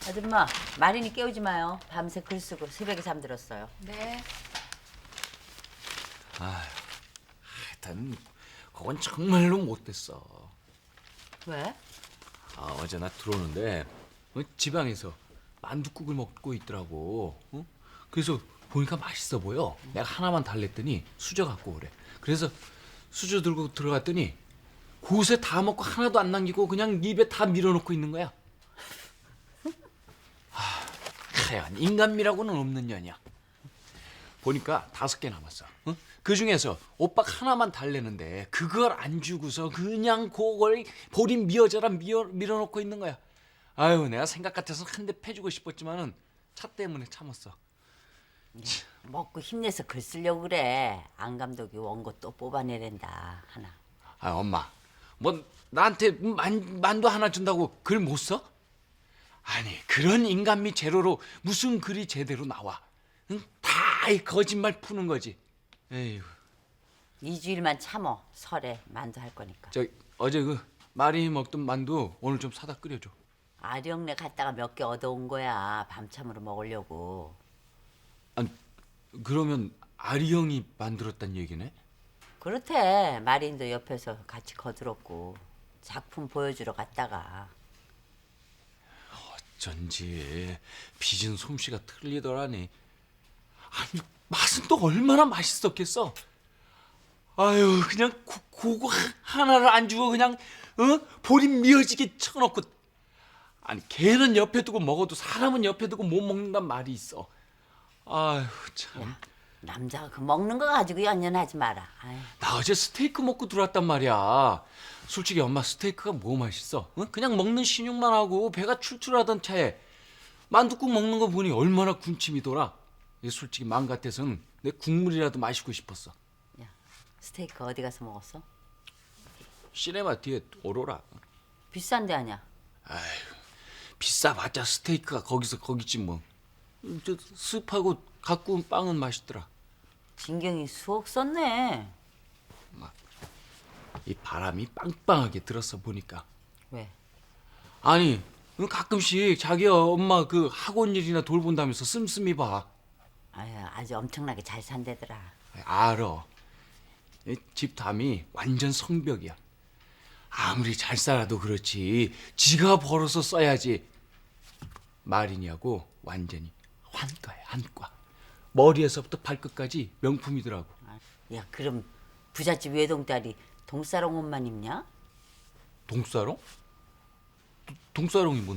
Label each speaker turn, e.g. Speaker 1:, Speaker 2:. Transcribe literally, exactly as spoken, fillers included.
Speaker 1: 아줌마, 마린이 깨우지 마요. 밤새 글 쓰고 새벽에 잠들었어요.
Speaker 2: 네.
Speaker 3: 하여튼 그건 정말로 못됐어.
Speaker 1: 왜?
Speaker 3: 아, 어제 나 들어오는데 어, 지방에서 만둣국을 먹고 있더라고. 어? 그래서 보니까 맛있어 보여. 내가 하나만 달랬더니 수저 갖고 오래. 그래서 수저 들고 들어갔더니 곳에 다 먹고 하나도 안 남기고 그냥 입에 다 밀어넣고 있는 거야. 하, 하여간 인간미라고는 없는 년이야. 보니까 다섯 개 남았어. 어? 그 중에서 오빠 하나만 달래는데 그걸 안 주고서 그냥 그걸 보린 미어져라 미어, 밀어넣고 있는 거야. 아유, 내가 생각 같아서 한 대 패주고 싶었지만은 차 때문에 참았어.
Speaker 1: 먹고 힘내서 글 쓰려고 그래. 안 감독이 원고 또 뽑아내랜다 하나.
Speaker 3: 아, 엄마, 뭐 나한테 만, 만두 하나 준다고 글 못 써? 아니, 그런 인간미 제로로 무슨 글이 제대로 나와? 응? 다 이 거짓말 푸는 거지. 에휴.
Speaker 1: 이 주일만 참어. 설에 만두 할 거니까.
Speaker 3: 저 어제 그 마린이 먹던 만두 오늘 좀 사다 끓여줘.
Speaker 1: 아령네 갔다가 몇 개 얻어온 거야. 밤참으로 먹으려고.
Speaker 3: 아니, 그러면 아리 형이 만들었단 얘기네?
Speaker 1: 그렇대. 마린도 옆에서 같이 거들었고. 작품 보여주러 갔다가.
Speaker 3: 어쩐지 빚은 솜씨가 틀리더라니. 아니, 맛은 또 얼마나 맛있었겠어. 아유, 그냥 고, 그거 하나를 안 주고 그냥 어? 보림 미어지게 쳐놓고. 아니, 걔는 옆에 두고 먹어도 사람은 옆에 두고 못 먹는단 말이 있어. 아유, 참.
Speaker 1: 야, 남자가 그 먹는 거 가지고 연연하지 마라. 아유.
Speaker 3: 나 어제 스테이크 먹고 들어왔단 말이야. 솔직히 엄마, 스테이크가 뭐 맛있어? 응? 그냥 먹는 신용만 하고 배가 출출하던 차에 만둣국 먹는 거 보니 얼마나 군침이 돌아. 솔직히 마음 같아서는 내 국물이라도 마시고 싶었어.
Speaker 1: 야, 스테이크 어디 가서 먹었어?
Speaker 3: 시네마 뒤에 오로라.
Speaker 1: 비싼 데 아냐?
Speaker 3: 비싸봤자 스테이크가 거기서 거기지 뭐. 저 습하고 갖고 온 빵은 맛있더라.
Speaker 1: 진경이 수억 썼네.
Speaker 3: 이 바람이 빵빵하게 들었어 보니까.
Speaker 1: 왜?
Speaker 3: 아니, 가끔씩 자기 엄마 그 학원 일이나 돌본다면서 씀씀이 봐.
Speaker 1: 아유, 아주 엄청나게 잘 산대더라.
Speaker 3: 알아. 이 집담이 완전 성벽이야. 아무리 잘 살아도 그렇지 지가 벌어서 써야지. 마린이하고 완전히 환가야, 환가. 머리에서부터 발끝까지 명품이더라고.
Speaker 1: 야, 그럼 부잣집 외동딸이 동사롱 옷만 입냐?
Speaker 3: 동사롱? 도- 동사롱이 뭔데?